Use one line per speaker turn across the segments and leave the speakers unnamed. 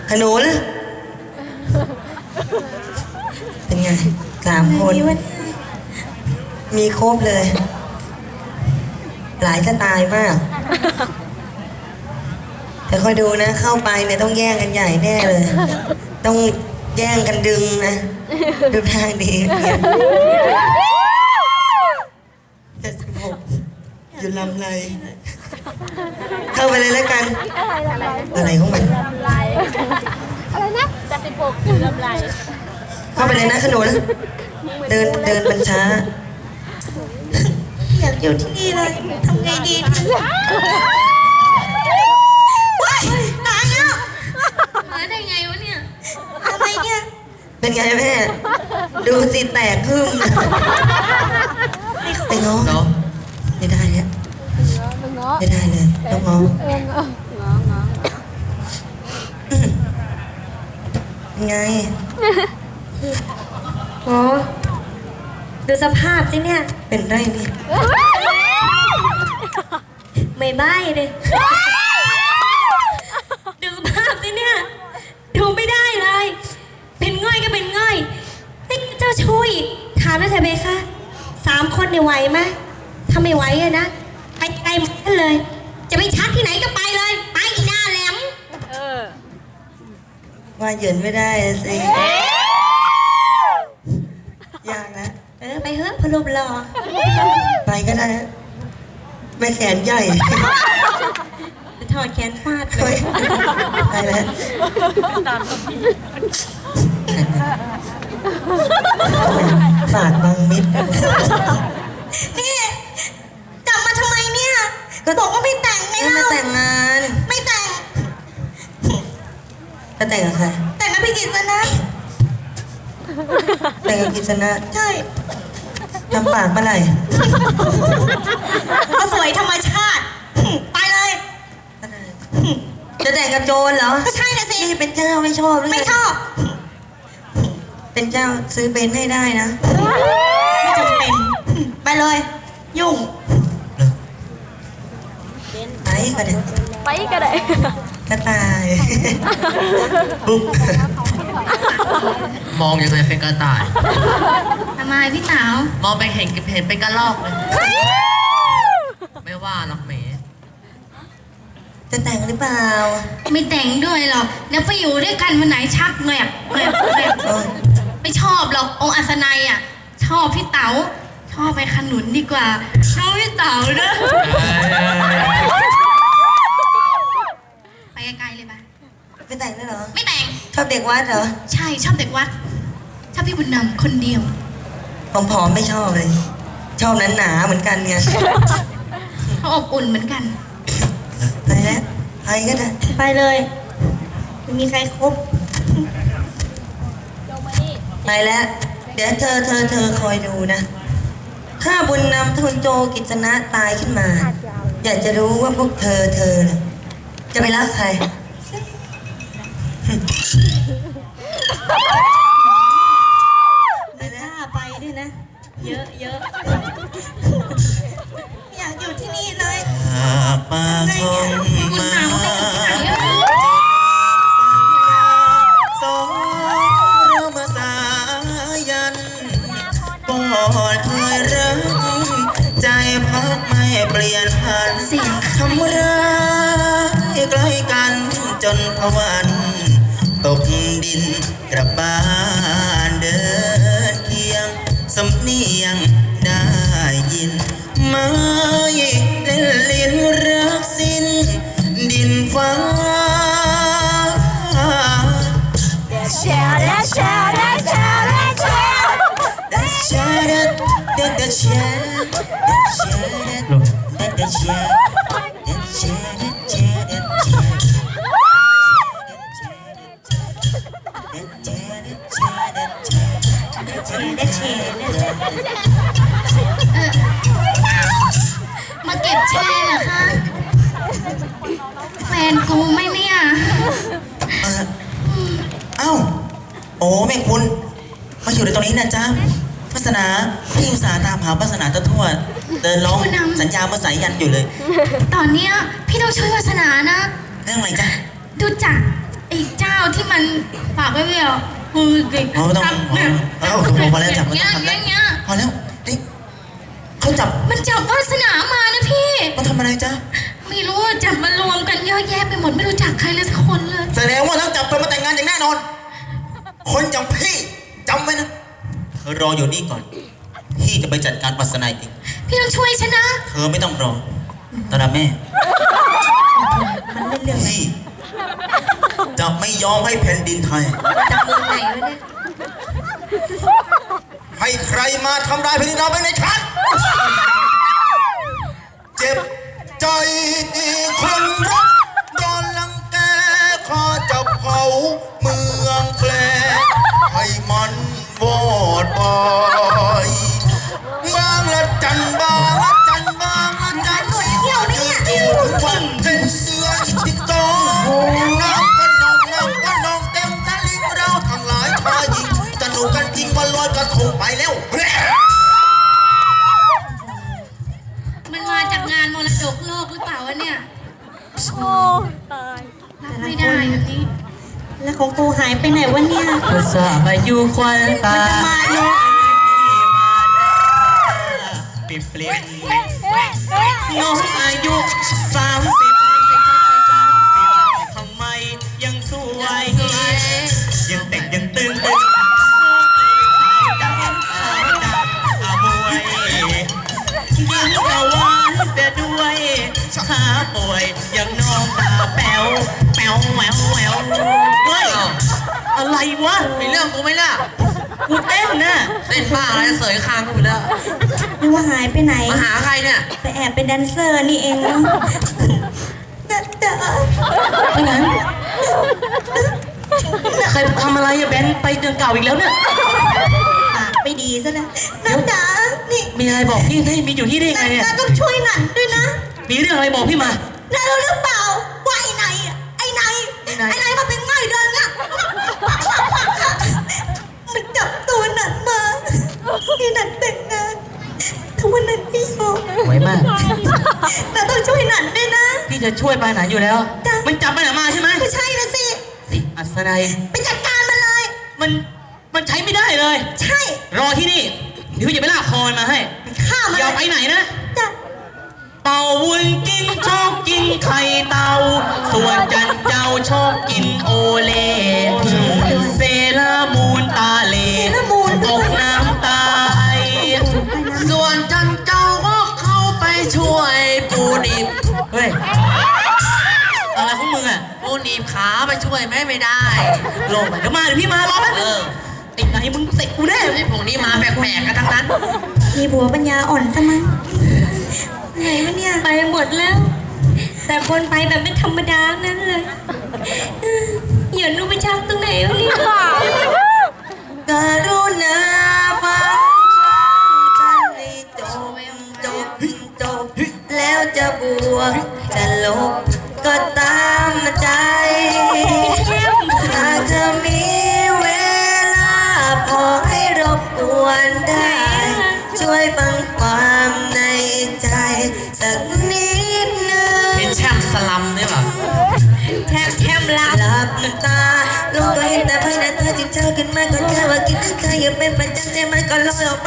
ขนุนเป็นไง3 คนมีครบเลย หลายสไตล์มากแต่คอยดูนะเข้าไปเนี่ยต้องแย่งกันใหญ่แน่เลย ต้องแย่งกันดึงนะดูทางดี76อยู่ลำไรเข้าไปเลยแล้วกันอะไรของมัน
อะไรนะ76อยู่ลำไร
เข้าไปเลยนะขนุนเดินมันช้าอยากอยู่ที่นี่เลยทำไงดีว้ายตายแล้ว
มาได้ไงวะเนี่ย
อะไรเนี่ยเป็นไงแม่ดูสิแตกขึ้นไปง้อไม่ได้เนี่ยไม่ได้เลยต้องง้อไง
โอ้ดูสภาพสิเนี่ย
เป็นไรนี่
ไม่ใบ้เลยดูสภาพสิเนี่ยดูไม่ได้เลยเป็นง่อยก็เป็นง่อยนี่เจ้าช่วยถามแล้วเถอะเบคะ3 คนเนี่ยไหวไหมถ้าไม่ไหวอะนะไปไกลกันเลยจะไปชักที่ไหนก็ไปเลยไปอีหน้าแหลม
ว่าเหยินไม่ได้สิยากนะ
ไปเถอะพลุบรอ
ไปก็ได้ไม่แขนใหญ่
จะถอดแขนฟาดเลย
ไปแล้วฝาดบางมิด
นี่จับมาทำไมเนี่ยก็บอกว่าไม่แต่งไงเล่า
ไม่แต่งงาน
ไม่แต่ง
จะแต่งกับใคร
แต่งกับพี่กิตนะ
แต่งกับกิษณะ
ใช่
ทำปากเมื่อไหร่
ก็สวยธรรมชาติไปเลย
จะแต่งกับโจรเหรอ
ก็ใช่นะสิ
นี่เป็นเจ้าไม่ชอบหรือ
ไม่ชอบ
เป็นเจ้าซื้อเบนให้ได้นะ
ไม่จำเป็นไปเลยยุ่ง
ไปก็ได้
ไปก็ได้
กระต่ายปุ๊บ
มองยังไงเป็นกระต่าย
ทำไมพี่สาว
มองไปเห็นเป็นกระรอกเลยไม่ว่าหรอกเมย์
จะแต่งหรือเปล่า
ไม่แต่งด้วยหรอกเดี๋ยวไปอยู่ด้วยกันวันไหนชักแงบไม่ชอบหรอกองค์อัศนัยอ่ะชอบพี่เต๋าชอบไปขนุนดีกว่าชอบพี่เต๋าเนอะไปไกลๆเลยปะ
ไม่แต่งได้เหรอ
ไม่แต่ง
ชอบเด็กวัดเหรอ
ใช่ชอบเด็กวัดชอบพี่บุญนำคนเดียว
ผอมๆไม่ชอบเลยชอบหนาๆเหมือนกันไง
เขาอบอุ่นเหมือนกัน
ไปแล้วไปก็ได้
ไปเลยไม่มีใครครบ
ไปแล้วเดี๋ยวเธอคอยดูนะถ้าบุญนำทุนโจกิจนะตายขึ้นมาอยากจะรู้ว่าพวกเธอจะไปรักใคร
ไม่น่าไปด้วยนะเยอะอยากอยู่ที่นี่เลย
มาชมมาสองเรามาสายันก่อนเคยรักใจพักไม่เปลี่ยนพันทำร้ายใกล้กันจนพวันตกดินกลับบ้านเดินเคียงสำเนียงได้ยินไม่เล่นลิ้นรักสิ้นดินฟ้า
แชร์และแชร์และแชร์และแชร์
และแชร์และแชร์และแชร์
มาเก็บแชร์เหรอคะแฟนกูไหมเนี่ย
เอ้าโอ้แม่คุณมาอยู่ในตรงนี้นะจ๊ะวาสนาพี่อุตส่าห์ตามหาวาสนาทั่วเดินร้องสัญญามาสายยันอยู่เลย
ตอนเนี้ยพี่ต้องช่วยวาสนานะ
เรื่องอะไรจ๊ะ
ดูจัก
ไอ้เจ้าที่มันฝากไว้เปล่าเด็ก
ไม่ต้อง
ทำเนี่ย
พอแล้วจับไม่
เงี้
ต้
ย
องทำแล้ว
เงี้ย
พอแล้วนี่เขาจับ
มันจับวาสนามานะพี่
มาทำอะไรจ๊ะ
ไม่รู้ว่าจับมารวมกันเยอะแยะไปหมดไม่รู้จักใครเลยสักคนเลย
แสดงว่าต้องจับเธอมาแต่งงานอย่างแน่นอน คนอย่างพี่จำไว้นะเธอรออยู่นี่ก่อน พี่จะไปจัดการปัสนาเอง
พี่ต้องช่วยฉันนะ
เธอไม่ต้องรอตอนนั้นแม่
มันเล่นเรื่องอะไร
พี่จะไม่ยอมให้แผ่นดินไทย
จับมือไหนวะเนี่ย
ให้ใครมาทำร้ายแผ่นดินเราไปในชัดเจ็บใจคนรักโดนลังแกข้าจะเผาเมืองแปลให้มันวอดไปบางละจันบางละจันบางละจันเที่ยวเนี่ยทุกวันเจ็ดเดือนที่สองน้ำกันนองน้ำกันนองเต็มตะลิ่งเราทั้งหลายชายหญิงสนุกกันจริงวันลอยกระทงไปแล้ว
มันมาจากงานมรดกโลกหรือเปล่าวะเนี่ยรับไม่ได้แบบนี้
แล้วของกูหายไปไหนวะเนี่ย
ภาษาอายุควันตา
มันจะมาเนอะ
ปิดเปลี่ยนน้องอายุ30ทำไมยังสวยยังเด็กยังตึงตึงยิ้มเอาหวานเสียด้วยขาป่วยยังน้องตาแป๋วแป๋วแหววแหววเฮ้ยอะไรวะ
มีเรื่องกูไหมล่ะ
กูเต้นนะ
เต้นบ้าอะไรเสยคางกูไปแล้ว
นึกว่าหายไปไหน
มาหาใครเนี่ย
ไปแอบเป็นแดนเซอร์นี่เองเนาะนะจ๊ะ
ไม่งั้นใครทำอะไรอะแบนไปเดือนเก่าอีกแล้วเนี่ย
ปากไม่ดีซะแล้วนะจ๊ะนี่
มีอะไรบอกพี่ได้มีอยู่ที่ได้ไงอะ
น้าต้องช่วยหนันด้วยนะ
มีเรื่องอะไรบอกพี่มา
น้ารู้หรือเปล่าว่าไอ้ไหนอะไอ้ไหนมาเป็นง่อยเดินอะมันจับตัวหนันมาที่หนันแต่งงานทุกวันนั้นพี่โยม
ไว้มาก
น้าต้องช่วยหนันด้วยนะ
พี่จะช่วยไปไหนอยู่แล้ว
จ้ะ
มันจับไปไหนมาใช่ไหม
ก็ใช่นะสิ
อัศนัย
ไปจัดการมันเลย
มันใช้ไม่ได้เลย
ใช่
รอที่นี่เดี๋ยวพี่จะไปลากคอมันมาให้
ฆ่ามัน
อย่าไปไหนนะ
จ้ะ
เต่าวุ้นกินชอบกินไข่เต่าส่วนจันเจ้าชอบกินโอเล่เซรามูนตาเลตกน้ำตาย
ส่วนจันเจ้าก็เข้าไปช่วยปูนิบ
เฮ้ยอะไรของมึงอะ
ปูนิบขาไปช่วยไม่ได้
ลงไปเดี๋ยวมาเดี๋ยวพี่มารอแป๊บนึงไอ้ไหนมึงเตะกูแน่
ไอ้พวกนี้มาแปลกๆกันทั้งนั้น
มีบัวปัญญาอ่อนซะมั้งไหนวะเนี่ย
ไปหมดแล้ว แต่คนไปแบบไม่ธรรมดานั้นเลยอย่ารู้ไปชักตรงไหนวะเนี่ย
กรุณาฟังฉันให้จบแล้วจะบวกจะลบก็ตามใจหากจะมีเวลาพอให้รบกวนได้ ช่วยฟังความในใจสักนิดนึง
เป็นแชมป์สลัมเนี่ยแบบ
แทมลา
หลับตาลูกก็เห็นแต่ภายในเธอจิตเธอขึ้นมาก็แค่ว่าคิดถึงเธออยู่เป็นประจำใจมันก็ลอยออกไป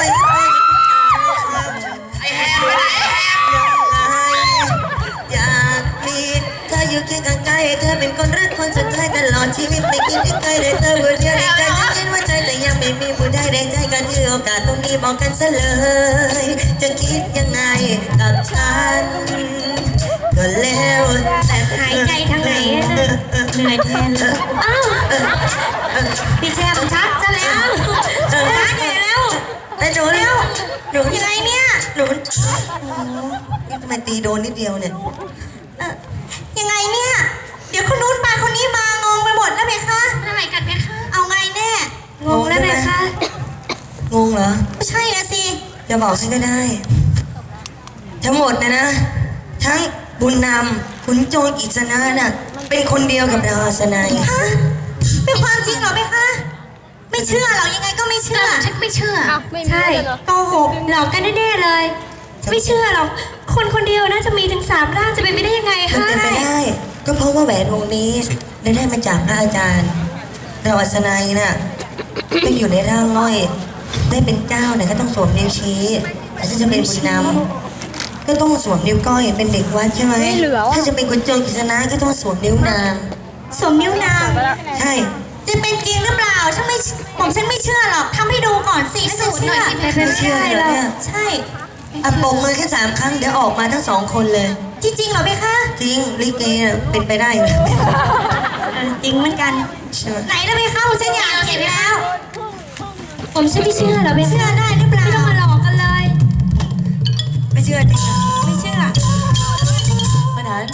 ไอ้แฮมไปไหนไอ้แฮม
อยากมีเธออยู่เคียงข้างกายให้เธอเป็นคนรักคนสุดท้ายตลอดชีวิตไม่คิดถึงใครเลยเธอผู้เดียวในใจฉันคิดว่าใจแต่ยังไม่มีผู้ใดในใจกันที่โอกาสตรงนี้บอกกันซะเลย จะคิดยังไงกับฉันก็แล้วแต่
หายใจทางไหนอะนะเหนื่อยแทนเลยอ้าวพี่แชมป์ชักซะแล้วชักใหญ่แล้ว
แต่หนูยังไงเนี่ยหนูนี่ทำไมตีโดนนิดเดียวเนี่ย
ยังไงเนี่ย เดี๋ยวคนนู้นไปคนนี้มางงไปหมดแล้วเพคะ
อะไรกันไหมคะ
เอาไงแน่
งงแล้วไหมคะ
งงเหรอ
ไม่ใช่นะสิ
จะบอกให้ก็ได้ ทั้งหมดนะทั้งบุญนำขุนโจรกิจนะน่ะเป็นคนเดียวกับเราสนาย
ฮะเป็นความจริงเหรอเพคะ ไม่เชื่อหรอกยังไงก็ไม่เชื่อ
ฉันไม่เชื่อ ใช่
โกหก
หลอกกันแน่ๆเลย ไม่เชื่อหรอก คนคนเดียวน่าจะมีถึง3 ร่างจะเป็นไปได้ยังไง
มัน
คะ
เป็นไปได้ ก็เพเพราะว่าแหวนวงนี้ได้มาจากพระอาจารย์เราอัศนัยน่ะก็อยู่ในร่างง่อยได้เป็นเจ้าเนี่ยก็ต้องสวมนิ้วชี้แต่ถ้าจะเป็นบุญนำก็ต้องสวมนิ้วก้อยเป็นเด็กวัดใช่ไหมถ้าจะเป็นคนจนกิษณะก็ต้องสวมนิ้วนาง
สวมนิ้วนาง
ใช่
จะเป็นจริงหรือเปล่าฉันไม่เชื่อหรอกทำให้ดูก่อนสิถ้าจะเชื่อ
ไม่เชื่อเลยเนี่ย
ใช่
อ่ะปมมือแค่3 ครั้งเดี๋ยวออกมาทั้ง2 คนเลย
จริงๆเหรอเบคะ
จริงลิเกน่ะเป็นไปได้ไหม
จริงเหมือนกัน
ใช่ไหม
ไหนนะเบคะฉันอยากเห็นแล้ว
ผมฉันไม่เชื่อเหรอเบ
เชื่อได้หรือเปล่า
ไม่ต้องมาหลอกกันเลย
ไม่เชื่อจริงเหรอ
ไม่เชื่อ
มาไหน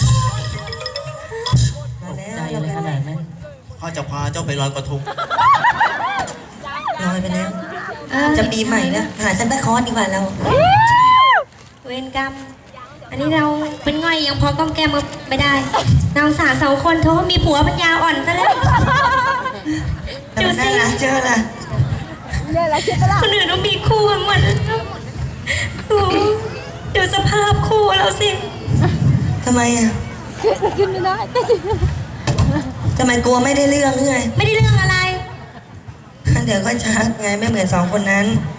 มาแล้ว
ใจเลยขนาดนั้น
พ่อจะพาเจ้าไปลอยกระทง
ลอยไปแล้ว จะปีใหม่นะหาซันตาคลอสดีกว่าเรา
เวรกรรม อันนี้เราเป็นง่อยยังพอก้อมแก้มมาไม่ได้นางสาว2 คนเขาก็มีผัวปัญญาอ่อนซะแล้ว
แต่มันน่ารักเจอละ
คนอื่นต้องมีคู่กันหมดแล้วโอ้โหดูสภาพคู่เราสิ
ทำไมอ่ะทำไมกลัวไม่ได้เรื่องไง
ไม่ได้เรื่องอะไร
เดี๋ยวก็ชักไงไม่เหมือน2 คนนั้น